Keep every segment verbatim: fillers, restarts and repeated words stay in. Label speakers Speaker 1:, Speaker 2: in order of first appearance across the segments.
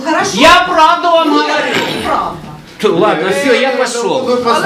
Speaker 1: хорошо.
Speaker 2: Я правду вам говорю.
Speaker 1: Правда.
Speaker 2: Ладно, все, я пошел.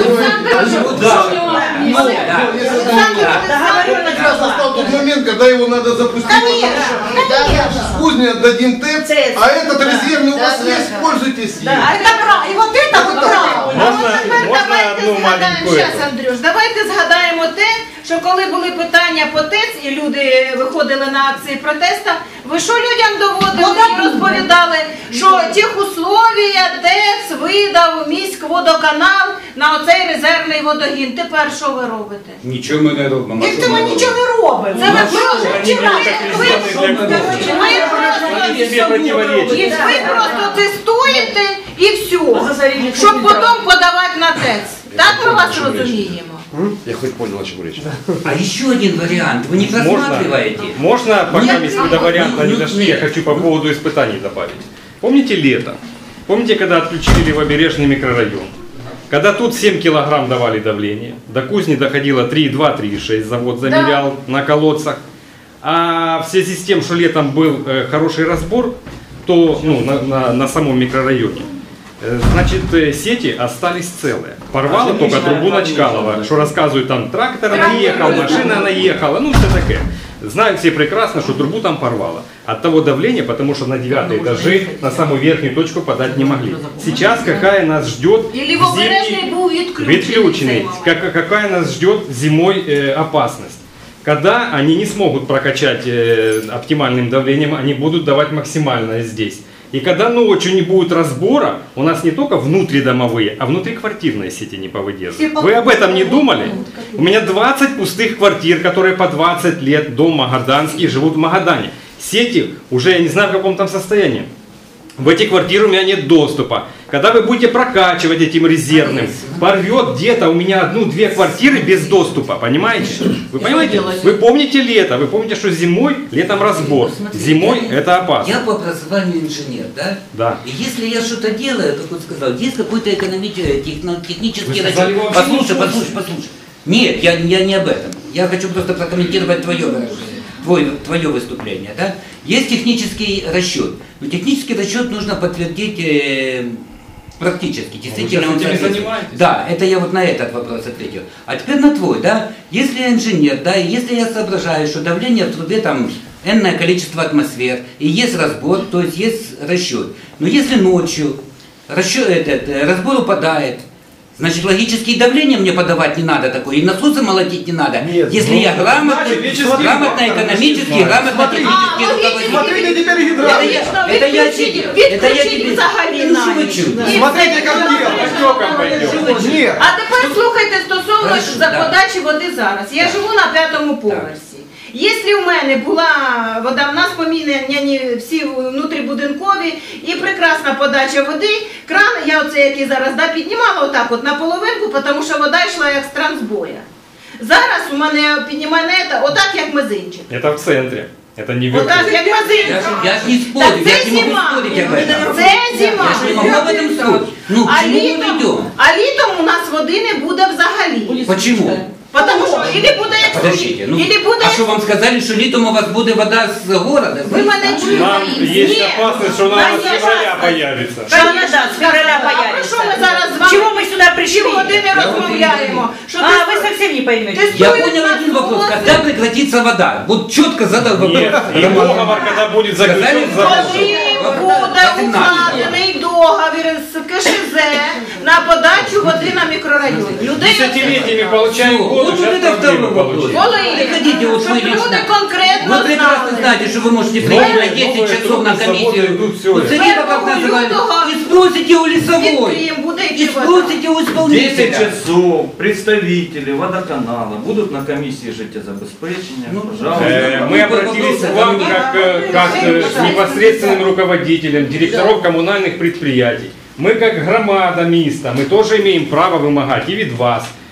Speaker 3: Тот момент, когда его надо запустить, кузня отдадим ТЭЦ, а этот резервный у вас есть, пользуйтесь им.
Speaker 1: Это правда. И вот это вот правда.
Speaker 4: Можна одну маленьку?
Speaker 5: Зараз, Андрюш, давайте згадаємо те, що коли були питання по ТЕЦ і люди виходили на акції протесту, ви що людям доводили і розповідали, що техусловія ТЕЦ видав міськводоканал на оцей резервний водогін. Тепер що ви робите?
Speaker 2: Нічого ми не робимо.
Speaker 1: Ніхто ми нічого не робимо.
Speaker 5: Це ви просто ви просто тестуєте і все, щоб потім подавати на ТЕЦ. Так ми вас розуміємо?
Speaker 4: Я хоть понял, о чем речь.
Speaker 2: А еще один вариант. Вы не просматриваете?
Speaker 4: Можно, можно пока мы до варианта не дошли, я хочу по поводу испытаний добавить. Помните лето? Помните, когда отключили Левобережный микрорайон? Когда тут семь килограмм давали давление, до кузни доходило три и два — три и шесть, завод замерял на колодцах. А в связи с тем, что летом был э, хороший разбор, то ну, на, на, на самом микрорайоне, э, значит, сети остались целые. Порвало а только трубу на Чкалова, что рассказывают, там трактор наехал, машина наехала, ну все такое. Знают все прекрасно, что трубу там порвало. От того давления, потому что на девятые этажи на самую верхнюю точку подать не могли. Сейчас какая нас ждет зимний, відключений, как, какая нас ждет зимой э, опасность. Когда они не смогут прокачать э, оптимальным давлением, они будут давать максимальное здесь. И когда ночью не будет разбора, у нас не только внутридомовые, а внутриквартирные сети не повыдерживают. Вы об этом не думали? У меня двадцать пустых квартир, которые по двадцать лет, дом Магаданский, живут в Магадане. Сети уже, я не знаю в каком там состоянии. В эти квартиры у меня нет доступа. Когда вы будете прокачивать этим резервным, порвет где-то у меня одну-две квартиры без доступа, понимаете? Вы понимаете? Вы помните лето, вы помните, что зимой, летом разбор. Зимой это опасно.
Speaker 2: Я по образованию инженер, да?
Speaker 4: Да.
Speaker 2: И если я что-то делаю, как он сказал, есть какой-то экономический, технический расчет.
Speaker 4: Послушай,
Speaker 2: Послушай, послушай, послушай. Нет, я, я не об этом. Я хочу просто прокомментировать твое выражение. Твое, твое выступление, да? Есть технический расчет, но технический расчет нужно подтвердить э, практически. Действительно, он
Speaker 4: занимаетесь?
Speaker 2: Да, это я вот на этот вопрос ответил. А теперь на твой, да? Если я инженер, да, и если я соображаю, что давление в трубе там энное количество атмосфер, и есть разбор, то есть есть расчет. Но если ночью расчет, этот, разбор упадает, значит, логические давления мне подавать не надо такое, и насосы молотить не надо. Нет, если ну, я грамотный, грамотно экономически, грамотно технически руководитель.
Speaker 3: Смотрите теперь гидравлику.
Speaker 2: Это я тебе. Это я тебе.
Speaker 3: Смотрите, как делать. Нет.
Speaker 5: А тепер слухайте стосовно подачі води зараз. Я живу на п'ятому поверсі. Якщо в мене була вода, в нас поміняні всі внутрібудинкові і прекрасна подача води, кран, я оце який зараз да, піднімала отак от на половинку, тому що вода йшла як з трансбоя. Зараз у мене піднімає не отак як мизинчик.
Speaker 4: Это в центре. Это не в
Speaker 5: Отак як мизинчик.
Speaker 2: Я ж не спорю, я не могу спорить об этом.
Speaker 5: Це зима.
Speaker 2: Я ж не могу об этом спорить. Ну,
Speaker 5: а,
Speaker 2: к чему мы
Speaker 5: літом,
Speaker 2: идем?
Speaker 5: а літом у нас води не буде взагалі.
Speaker 2: Почему?
Speaker 5: Потому что или буде як
Speaker 2: Подождите, ну,
Speaker 5: или буде
Speaker 2: а что вам сказали, что летом у вас будет вода с города?
Speaker 5: Ви мене чуєте?
Speaker 4: Нам есть
Speaker 5: Нет.
Speaker 4: опасность, что у нас с
Speaker 5: Конечно.
Speaker 4: февраля появится.
Speaker 5: Конечно, с февраля появится. А про що ми зараз з вами
Speaker 1: Чего мы сюда пришли?
Speaker 5: півгодини розмовляємо? Що
Speaker 1: А,
Speaker 5: ти-
Speaker 1: вы совсем не поймете.
Speaker 5: Ти
Speaker 2: Я
Speaker 5: стоїш
Speaker 2: понял
Speaker 5: на
Speaker 2: один вопрос.
Speaker 5: вулиці,
Speaker 2: Когда прекратится вода? Вот четко задал вопрос.
Speaker 4: Нет, и договор, когда будет заключен
Speaker 2: Сказали,
Speaker 4: завод.
Speaker 5: Коли буде укладений договір з КШЗ на подачу води на мікрорайон. Людей
Speaker 4: Десятилетиями получаем воду,
Speaker 2: Вот
Speaker 4: сейчас
Speaker 2: это второй
Speaker 4: проблемы
Speaker 2: вопрос.
Speaker 4: получим.
Speaker 5: Коли?
Speaker 2: Приходите, вот
Speaker 5: Щоб
Speaker 2: вы
Speaker 5: люди
Speaker 2: лично.
Speaker 5: конкретно
Speaker 2: Вы прекрасно
Speaker 5: знали.
Speaker 2: знаете, что вы можете прийти на
Speaker 4: Новые-
Speaker 2: десять
Speaker 4: новые
Speaker 2: часов на
Speaker 4: трубы, заводы
Speaker 2: комиссию.
Speaker 4: идут, всё
Speaker 2: Вот
Speaker 4: это.
Speaker 2: Сергей, как называют, и спросите у лесовой.
Speaker 5: Підтримуємо, буде
Speaker 2: И
Speaker 5: йти вода.
Speaker 2: спросите у
Speaker 6: десять
Speaker 2: исполнителя.
Speaker 6: часов представители водоканала будут на комиссии життєзабезпечення.
Speaker 2: Ну,
Speaker 6: Пожалуйста.
Speaker 4: Э, Мы обратились к вам как, э, как э, непосредственным руководителям директоров коммунальных предприятий. Мы как громада міста, мы тоже имеем право вымогать и від вас. В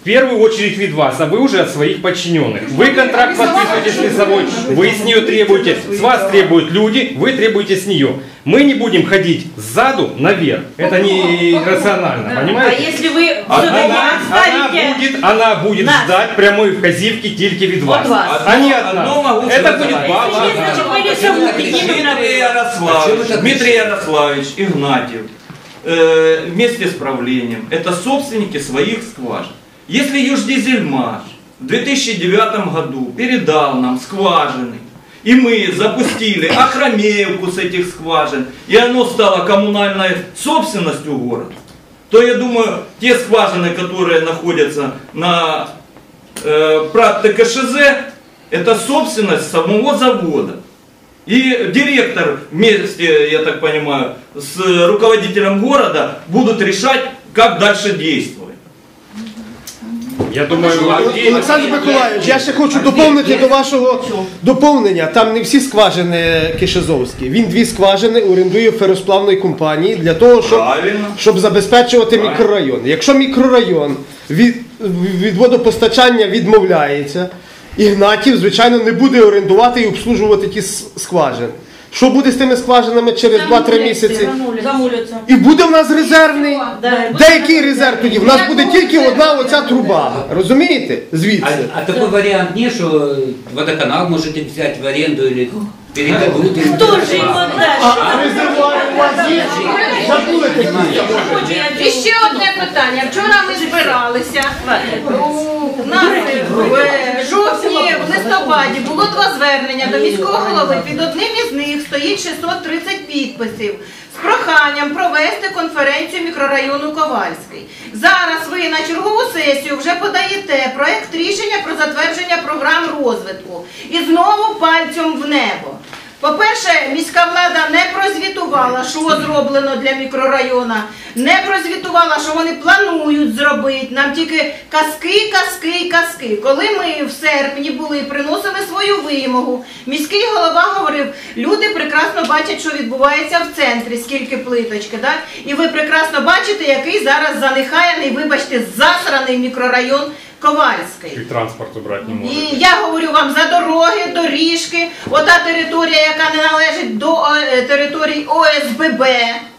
Speaker 4: В первую очередь вид вас, а вы уже от своих подчиненных. Вы контракт подписываете с лесовой, вы с нее требуете, с вас требуют люди, вы требуете с нее. Мы не будем ходить сзаду наверх. Это не рационально,
Speaker 1: А
Speaker 4: понимаете?
Speaker 1: если вы
Speaker 4: Она, она
Speaker 1: ставите...
Speaker 4: будет, она будет
Speaker 1: нас.
Speaker 4: ждать прямой вказівки только вид вас.
Speaker 1: От вас.
Speaker 4: А не от
Speaker 6: Одно
Speaker 4: нас.
Speaker 6: могу
Speaker 4: Это
Speaker 6: сказать.
Speaker 4: будет баба.
Speaker 1: Если нет, значит, вы лесовую единую
Speaker 6: Дмитрий
Speaker 1: направили.
Speaker 6: Ярославович,
Speaker 2: А чё вы
Speaker 6: Дмитрий
Speaker 2: так
Speaker 6: Ярославович, Игнатьев, э, вместе с правлением, это собственники своих скважин. Если Юждизельмаш в две тысячи девятом году передал нам скважины, и мы запустили Ахромеевку с этих скважин, и оно стало коммунальной собственностью города, то я думаю, те скважины, которые находятся на э, ПРАТ ТКШЗ, это собственность самого завода. И директор вместе, я так понимаю, с руководителем города будут решать, как дальше действовать.
Speaker 4: Я думаю,
Speaker 7: Олександр Миколаївич, я ще хочу доповнити до вашого доповнення. Там не всі скважини Кишезовські. Він дві скважини орендує феросплавної компанії для того, щоб,
Speaker 6: Правильно.
Speaker 7: щоб забезпечувати мікрорайон. Якщо мікрорайон від, від водопостачання відмовляється, Ігнатів, звичайно, не буде орендувати і обслужувати ті с- скважини. Що буде з тими скважинами через два-три місяці?
Speaker 1: Замуляться.
Speaker 7: І буде в нас резервний.
Speaker 1: Да.
Speaker 7: Деякий резерв тоді. В нас буде тільки одна оця труба. Розумієте?
Speaker 2: А,
Speaker 7: Звідси.
Speaker 2: а такой вариант не, что водоканал можете взять в аренду или передадут. или
Speaker 1: Хто ж йому дасть?
Speaker 7: А резервуар у вас є? Забули такі?
Speaker 5: І ще одне питання. Вчора ми збиралися. У нас в жовтні, в листопаді було два звернення до міського голови. Під одним із них стоїть шістсот тридцять підписів з проханням провести конференцію мікрорайону Ковальський. Зараз ви на чергову сесію вже подаєте проект рішення про затвердження програм розвитку. І знову пальцем в небо. По-перше, міська влада не прозвітувала, що зроблено для мікрорайона, не прозвітувала, що вони планують зробити. Нам тільки казки, казки і казки. Коли ми в серпні були, приносили свою вимогу, міський голова говорив, люди прекрасно бачать, що відбувається в центрі, скільки плиточки, так? І ви прекрасно бачите, який зараз занехаяний, вибачте, засраний мікрорайон Ковальський.
Speaker 4: и транспорт убрать не
Speaker 5: І
Speaker 4: может.
Speaker 5: я говорю вам за дороги, доріжки, ота територія, яка не належить до е, територій О С Б Б.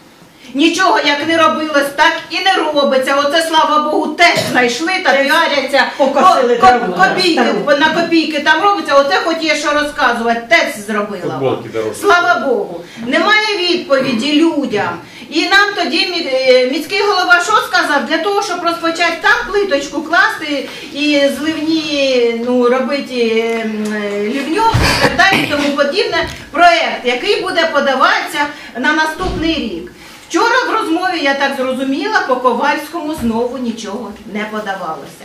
Speaker 5: Нічого як не робилось, так і не робиться. Оце, слава Богу, теж знайшли та піаряться.
Speaker 1: Покосили
Speaker 5: Ко-
Speaker 1: траву,
Speaker 5: ко- копійки,
Speaker 1: стару.
Speaker 5: на копійки там робиться, оце хоч є що розказувати, теж зробила.
Speaker 4: Футболки дорожні.
Speaker 5: Слава Богу. Немає відповіді людям. І нам тоді мі- е, міський голова що сказав? Для того, щоб розпочати там плиточку класти і зливні, ну, робити е, м, е, лівню і так далі, і тому подібне, проект, який буде подаватися на наступний рік. Вчора в розмові, я так зрозуміла, по Ковальському знову нічого не подавалося.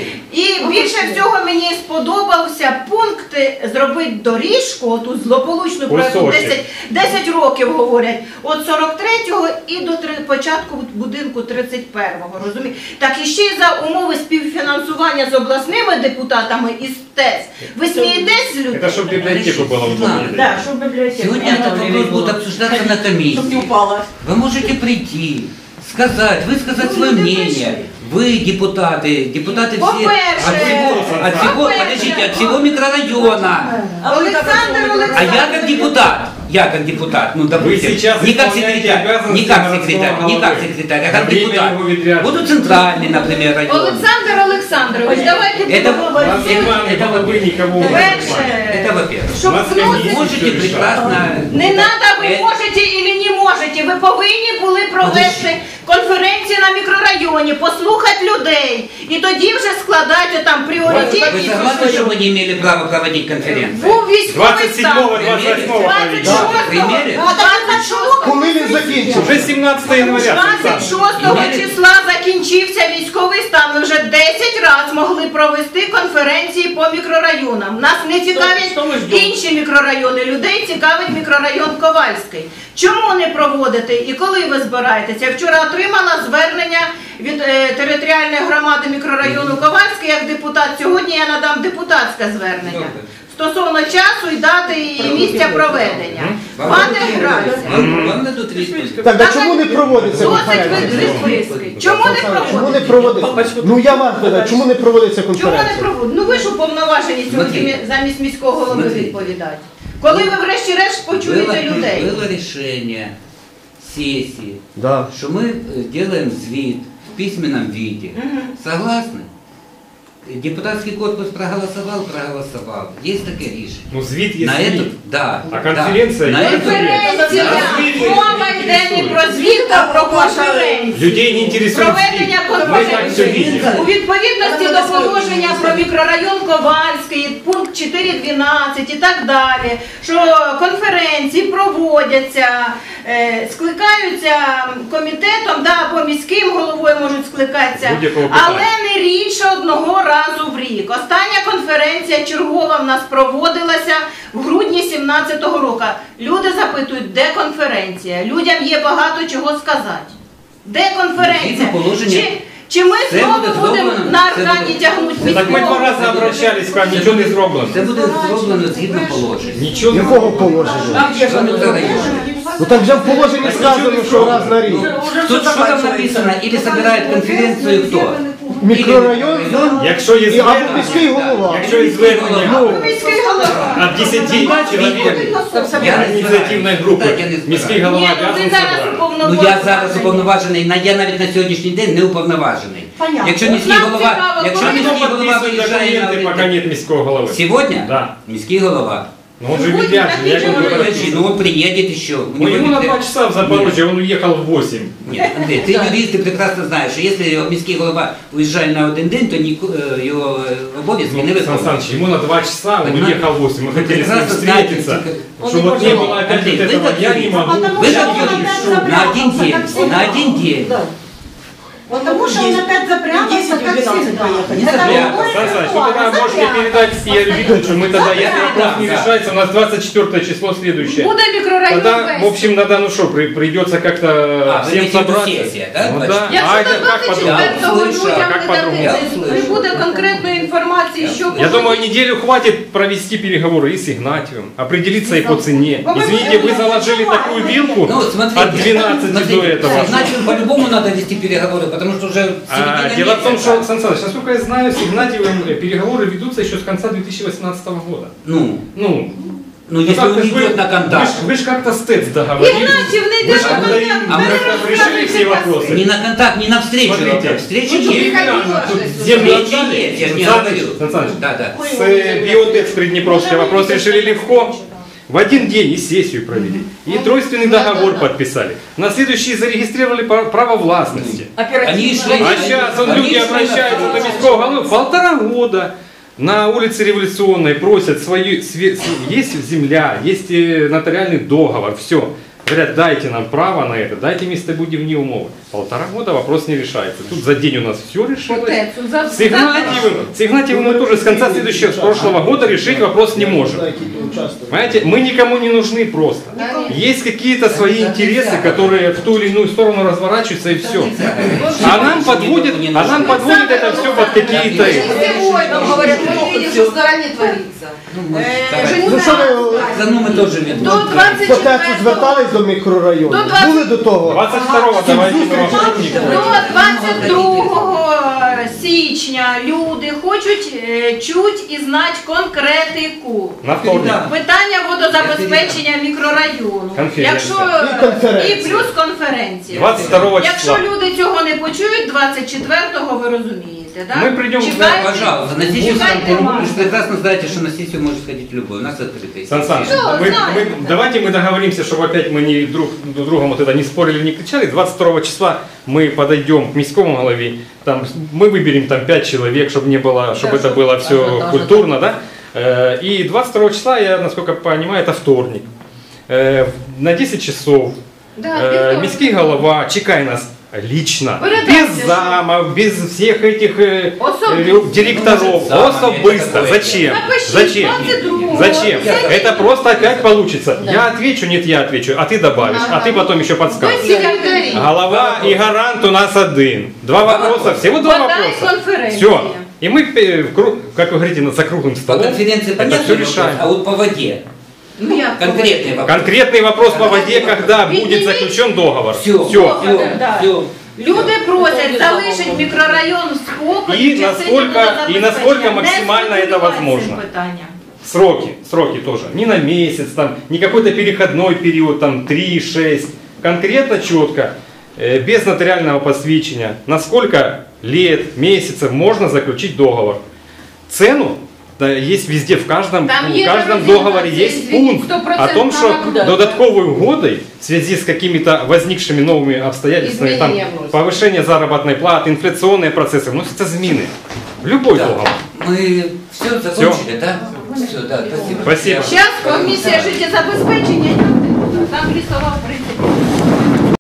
Speaker 5: І більше всього мені сподобався пункт зробити доріжку, оту злополучну, про яку
Speaker 4: Кусочок.
Speaker 5: десять, десять років говорять, от сорок третього і до три- початку будинку тридцять першого, розумієте? Так і ще й за умови співфінансування з обласними депутатами і з ТЕС. Ви смієтесь з людей?
Speaker 4: Это чтобы библиотеку было удобнее.
Speaker 1: Да, щоб бібліотека.
Speaker 2: Сегодня этот вопрос будет обсуждаться на
Speaker 1: Щоб не
Speaker 2: комиссии.
Speaker 1: упала.
Speaker 2: Вы можете прийти, сказать, высказать
Speaker 5: Ну,
Speaker 2: свое
Speaker 5: не
Speaker 2: мнение.
Speaker 5: пришли.
Speaker 2: Вы депутаты, депутаты все
Speaker 5: По-перше,
Speaker 2: от всего, от всего,
Speaker 5: по-перше,
Speaker 2: подождите, от всего микрорайона.
Speaker 5: Олександр
Speaker 2: А
Speaker 5: Олександрович.
Speaker 2: я как депутат, я как депутат, ну допустим,
Speaker 4: сейчас
Speaker 2: не как
Speaker 4: исполняете
Speaker 2: секретарь,
Speaker 4: обязанности
Speaker 2: не как
Speaker 4: городского
Speaker 2: секретарь, не как
Speaker 4: головы.
Speaker 2: секретарь, а
Speaker 4: На
Speaker 2: как
Speaker 4: время
Speaker 2: депутат.
Speaker 4: его відрядження.
Speaker 2: Буду центральный, например, район.
Speaker 5: Олександр Олександрович, давайте
Speaker 2: Это,
Speaker 5: будемо
Speaker 4: У нас
Speaker 5: всі-
Speaker 4: с вами
Speaker 2: это
Speaker 4: головы никого не
Speaker 5: Перше,
Speaker 2: это во-первых.
Speaker 5: щоб
Speaker 4: У нас
Speaker 5: вносити-
Speaker 4: комиссия
Speaker 2: Можете
Speaker 4: всё решает.
Speaker 2: прекрасно...
Speaker 5: Не треба, ви
Speaker 2: Э,
Speaker 5: можете і не можете. Ви повинні були провести конференцію на мікрорайоні, послухати людей. І тоді вже складати там
Speaker 2: Вы
Speaker 5: пріоритетні.
Speaker 2: согласны, что мы не имели права проводить конференцию?
Speaker 5: Був військовий
Speaker 4: двадцать седьмого,
Speaker 5: стан.
Speaker 4: двадцать восьмого
Speaker 5: двадцять
Speaker 4: провели.
Speaker 5: шостого, двадцять шостого,
Speaker 7: Коли він закінчив?
Speaker 4: Уже семнадцатого января.
Speaker 5: двадцять шостого числа закінчився військовий стан. Ми вже десять разів могли провести конференції по мікрорайонам. Нас не цікавлять інші мікрорайони. Людей цікавить мікрорайон Ковальський. Чому не проводите і коли ви збираєтеся? Я вчора отримала звернення від е, територіальної громади мікрорайону Ковальський як депутат. Сьогодні я надам депутатське звернення. Стосовно часу і дати і місця проведення. Пане Грайся,
Speaker 2: Вам, вам дадут відповідь.
Speaker 7: Так, а чому не проводиться
Speaker 5: досить
Speaker 7: конференція?
Speaker 5: відписки. Чому не
Speaker 7: Чому не
Speaker 5: проводиться?
Speaker 7: проводиться? Ну я вас питаю, чому не проводиться
Speaker 5: Чому не
Speaker 7: конференція?
Speaker 5: проводиться? Ну ви ж уповноважені сьогодні
Speaker 2: Смотрите.
Speaker 5: замість міського голови
Speaker 2: Смотрите.
Speaker 5: відповідати. Коли ви врешті-решт почуєте
Speaker 2: Было,
Speaker 5: людей?
Speaker 2: было решение сессии,
Speaker 7: Да.
Speaker 2: что мы э, делаем звит в письменном виде. Согласны? Депутатский корпус проголосовал, проголосовал. Есть такое решение.
Speaker 4: Ну, звіт є
Speaker 2: На
Speaker 4: звіт.
Speaker 2: эту, да.
Speaker 4: А конференция
Speaker 2: да, на
Speaker 4: есть?
Speaker 2: эту,
Speaker 5: Конференція! Мова йде не про звіт, а про конференцію.
Speaker 4: Людей не інтересує
Speaker 5: Проведення
Speaker 4: звіт. Ми так все
Speaker 5: конференції.
Speaker 4: видимо.
Speaker 5: У відповідності до положення про мікрорайон Ковальський, пункт чотири дванадцять і так далі, що конференції проводяться, е, скликаються комітетом, да, або міським головою можуть скликатися,
Speaker 4: Будь-якого питання.
Speaker 5: але не рідше одного разу в рік. Остання конференція чергова в нас проводилася в грудні сімнадцятого року. Люди запитують, де конференція? Людям є багато чого сказати. Де конференція?
Speaker 2: Згідно положення.
Speaker 5: Чи, чи ми
Speaker 2: Це
Speaker 5: знову
Speaker 2: буде
Speaker 5: будемо
Speaker 2: зроблено,
Speaker 5: на
Speaker 2: це
Speaker 5: аркані
Speaker 2: буде-
Speaker 5: тягнути
Speaker 4: Ну, так ми
Speaker 5: міського?
Speaker 4: два рази обращались, к вам нічого не зроблено.
Speaker 2: Це буде зроблено згідно положення.
Speaker 4: Нічого не
Speaker 7: Якого положення?
Speaker 2: Що мікрорайон?
Speaker 7: Ну так вже в положенні сказано, що раз на рік.
Speaker 2: Тут что там написано? Или собирает конференцию кто?
Speaker 7: Мікрорайон
Speaker 4: Якщо є
Speaker 7: і або
Speaker 4: звернення,
Speaker 7: міський голова.
Speaker 4: якщо є звернення
Speaker 7: Ну,
Speaker 5: Міський голова.
Speaker 4: от десяти чоловік
Speaker 2: Я не
Speaker 4: ініціативної
Speaker 2: збираю.
Speaker 4: групи,
Speaker 2: Так, я не збираю.
Speaker 4: міський
Speaker 5: Ні,
Speaker 4: голова
Speaker 5: ну ви
Speaker 4: обязан
Speaker 5: зараз
Speaker 4: собрати.
Speaker 2: Ну
Speaker 5: уповноважений.
Speaker 2: я зараз уповноважений, на- я навіть на сьогоднішній день не уповноважений. Якщо міський
Speaker 5: Нам
Speaker 2: голова,
Speaker 5: цікаво,
Speaker 2: якщо
Speaker 5: коли
Speaker 2: міський
Speaker 4: Хто
Speaker 2: голова
Speaker 4: підписує
Speaker 2: виїжджає на
Speaker 4: документи, поки нет міського голови?
Speaker 2: Сегодня?
Speaker 4: Да.
Speaker 2: Міський голова.
Speaker 4: Ну он же
Speaker 5: Будь
Speaker 4: видящий, я
Speaker 5: такий
Speaker 4: говорю.
Speaker 5: же
Speaker 2: Подожди, ну он приедет еще. У
Speaker 4: Ну
Speaker 2: него
Speaker 4: ему на
Speaker 2: ведь-
Speaker 4: два часа в Запорожье, он уехал в восемь.
Speaker 2: Нет, Андрей, ты юрист, ты прекрасно знаешь, что если міський голова уезжает на один день, то ні- е, його е, обов'язки не
Speaker 4: Ну, Сан
Speaker 2: виконують.
Speaker 4: Саныч, ему на два часа, он
Speaker 2: Понимаете?
Speaker 4: уехал в восемь. Мы
Speaker 2: Вы
Speaker 4: хотели с ним
Speaker 2: прекрасно знаете,
Speaker 4: встретиться.
Speaker 2: тільки-
Speaker 4: Чтобы вот не было опять
Speaker 2: Андрей,
Speaker 4: вот
Speaker 2: вы
Speaker 4: этого,
Speaker 2: как
Speaker 4: я не
Speaker 2: юрист.
Speaker 4: могу.
Speaker 2: Вы
Speaker 4: Я
Speaker 2: как
Speaker 4: не
Speaker 2: юрист,
Speaker 4: могу.
Speaker 2: на один день, на один день.
Speaker 8: Потому что он опять запрятался, как всегда.
Speaker 2: Не
Speaker 8: Это
Speaker 2: запрятался.
Speaker 8: другое
Speaker 4: Сан Саныч,
Speaker 8: дело,
Speaker 4: вы тогда
Speaker 8: а
Speaker 4: можете
Speaker 8: запрятался.
Speaker 4: передать Игорю Викторовичу, мы тогда, если вопрос не
Speaker 2: Да.
Speaker 4: решается, у нас двадцать четвёртое число следующее.
Speaker 5: Буде мікрорайон
Speaker 4: Тогда, в
Speaker 5: весь.
Speaker 4: общем, надо, ну что, при- придется как-то
Speaker 2: А, вы
Speaker 4: всем
Speaker 2: имеете в виду
Speaker 4: собраться.
Speaker 2: сессия, да,
Speaker 4: Ну
Speaker 2: двадцать
Speaker 4: да.
Speaker 2: четвёртого?
Speaker 4: А
Speaker 5: Якщо
Speaker 4: это
Speaker 5: до
Speaker 4: как по-другому?
Speaker 2: Я
Speaker 5: двадцять четвертого
Speaker 2: услышал.
Speaker 5: людям
Speaker 4: Как
Speaker 5: не
Speaker 4: по-другому?
Speaker 2: Я
Speaker 5: дадуть,
Speaker 2: услышал.
Speaker 5: не буде конкретної інформації, що
Speaker 4: Я
Speaker 5: буде.
Speaker 4: думаю, неделю хватит провести переговоры и с Игнатьевым, определиться и по цене. Извините, вы заложили такую вилку
Speaker 2: Ну, смотрите,
Speaker 4: от двенадцати
Speaker 2: смотрите,
Speaker 4: до этого.
Speaker 2: Значит, по-любому надо вести переговоры, потому что уже
Speaker 4: А,
Speaker 2: середина
Speaker 4: дело в том,
Speaker 2: месяца.
Speaker 4: что, Сан Саныч, насколько я знаю, с Игнатьевым переговоры ведутся еще с конца две тысячи восемнадцатого года.
Speaker 2: Ну,
Speaker 4: Ну,
Speaker 2: ну если
Speaker 4: как
Speaker 2: он
Speaker 4: вы-
Speaker 2: идет на
Speaker 4: Вы
Speaker 2: контакт.
Speaker 4: ж, вы ж как-то с ТЭЦ договорились.
Speaker 5: Игнатьев не
Speaker 4: Вы ж
Speaker 5: идет на
Speaker 4: как-то им-
Speaker 5: контакт,
Speaker 2: а мы
Speaker 4: как-то решили все вопросы.
Speaker 2: Не на контакт, не на встречу.
Speaker 4: Смотрите.
Speaker 2: Встречи
Speaker 4: Ну,
Speaker 2: есть.
Speaker 4: реально, тут землю
Speaker 2: Встречи
Speaker 4: отдали.
Speaker 2: есть, я же не
Speaker 4: Сан Саныч,
Speaker 2: говорю.
Speaker 4: Сан Саныч,
Speaker 2: Да, да.
Speaker 4: С э, Биотекс Приднепровской вопрос решили легко. В один день и сессию провели, и тройственный договор подписали. На следующий зарегистрировали пра- право властности.
Speaker 2: Они шли.
Speaker 4: А сейчас он,
Speaker 2: они
Speaker 4: люди
Speaker 2: шли на
Speaker 4: обращаются до
Speaker 2: встречу.
Speaker 4: міського голови. Полтора года на улице Революционной просят свою, све- с- есть земля, есть э, нотариальный договор, все. Говорят, дайте нам право на это, дайте местобудивные умовы. Полтора года вопрос не решается. Тут за день у нас все решилось.
Speaker 5: Отецу, за-
Speaker 4: С Игнатьевым, с Игнатьевым мы тоже с конца следующего, с прошлого года решить вопрос не можем. Понимаете, мы никому не нужны просто. Есть какие-то свои интересы, которые в ту или иную сторону разворачиваются и все. А нам подводит, а нам подводит это все под какие-то...
Speaker 8: Нам говорят, мы видим, что в стороне творится.
Speaker 2: Ну, мы
Speaker 5: Э,
Speaker 2: давайте.
Speaker 7: Ну що ви
Speaker 2: За ну мы тоже видно.
Speaker 5: До
Speaker 7: по
Speaker 5: двадцять
Speaker 7: ТЕЦу
Speaker 5: четвертого
Speaker 7: звертались до мікрорайону?
Speaker 5: До двадцять-
Speaker 7: Були до того?
Speaker 4: двадцать второго давайте мы вам
Speaker 5: До двадцять другого січня люди хочуть е, чуть і знати конкретику.
Speaker 4: на вторник.
Speaker 5: Питання водозабезпечення мікрорайону.
Speaker 4: Конференція.
Speaker 5: Якщо
Speaker 7: І конференція.
Speaker 5: і плюс конференція.
Speaker 4: двадцать второго
Speaker 5: Якщо
Speaker 4: числа.
Speaker 5: люди цього не почують, двадцять четвертого ви розумієте, да?
Speaker 4: Ми прийдемо-
Speaker 5: Чекайте-
Speaker 2: Пожалуйста, на сессию
Speaker 5: чекайте
Speaker 2: вы
Speaker 5: вас.
Speaker 2: же прекрасно знаете, что на сессию может ходить любой. У нас открытый.
Speaker 4: Сан Саныч,
Speaker 5: Что,
Speaker 4: мы,
Speaker 5: знаем.
Speaker 4: мы- давайте мы договоримся, чтобы опять мы не друг друг другом вот это не спорили, не кричали. двадцать второго числа мы подойдем к міському голове, там, мы выберем там пять человек, чтобы не было, чтобы это было все культурно, да? Э, И двадцать второго числа, я насколько понимаю, это вторник. Э, На десять часов
Speaker 5: Да,
Speaker 4: э,
Speaker 5: вівторок.
Speaker 4: міський голова чекай нас лично,
Speaker 5: Передайте,
Speaker 4: без
Speaker 5: що-
Speaker 4: замов, без всех этих э,
Speaker 5: Особисто.
Speaker 4: э, директоров,
Speaker 2: Замами,
Speaker 4: особисто.
Speaker 2: это такое.
Speaker 4: Зачем?
Speaker 5: Напишіть,
Speaker 4: Зачем?
Speaker 5: двадцять другого.
Speaker 4: Зачем?
Speaker 5: Зачем?
Speaker 4: Это просто опять получится. Я отвечу, нет, я отвечу, а ты добавишь, а ты потом еще
Speaker 5: Ви
Speaker 4: подскажешь.
Speaker 5: секретарі.
Speaker 4: Голова и гарант у нас один. Два вопроса, всего два
Speaker 5: Подай
Speaker 4: вопроса.
Speaker 5: конференція.
Speaker 4: Все. И мы, э, в кру- как вы говорите, за круглым
Speaker 2: По
Speaker 4: столом
Speaker 2: конференции
Speaker 4: это
Speaker 2: понятно
Speaker 4: все
Speaker 2: вопрос,
Speaker 4: решаем.
Speaker 2: а вот по воде.
Speaker 5: Ну, як
Speaker 2: Конкретный вопрос.
Speaker 4: Конкретный вопрос по воде, когда будет заключен договор.
Speaker 2: Все,
Speaker 4: Все.
Speaker 2: все,
Speaker 5: Да.
Speaker 2: все.
Speaker 5: Люди просять залишити мікрорайон в спокої.
Speaker 4: І
Speaker 5: в частині
Speaker 4: наскільки-
Speaker 5: водозабезпечення.
Speaker 4: і наскільки
Speaker 5: Не
Speaker 4: максимально це
Speaker 5: спекулювати цим
Speaker 4: возможно.
Speaker 5: питанням.
Speaker 4: Сроки, сроки тоже. Не на месяц, там, не какой-то переходной период, там три шесть. Конкретно, четко, э, без нотариального посвящения, на сколько лет, месяцев можно заключить договор. Цену да, есть везде, в каждом,
Speaker 5: Там
Speaker 4: в
Speaker 5: есть
Speaker 4: каждом
Speaker 5: разница,
Speaker 4: договоре есть
Speaker 5: извините,
Speaker 4: пункт
Speaker 5: сто
Speaker 4: о
Speaker 5: процентов
Speaker 4: том, что
Speaker 5: да.
Speaker 4: додатковой угодой в связи с какими-то возникшими новыми обстоятельствами, там,
Speaker 5: Изменения вносят.
Speaker 4: повышение заработной платы, инфляционные процессы, вносятся змины. В любой
Speaker 2: Да.
Speaker 4: договор.
Speaker 2: Мы все закончили, да? Все, да, спасибо.
Speaker 4: Спасибо.
Speaker 5: Зараз комісія життєзабезпечення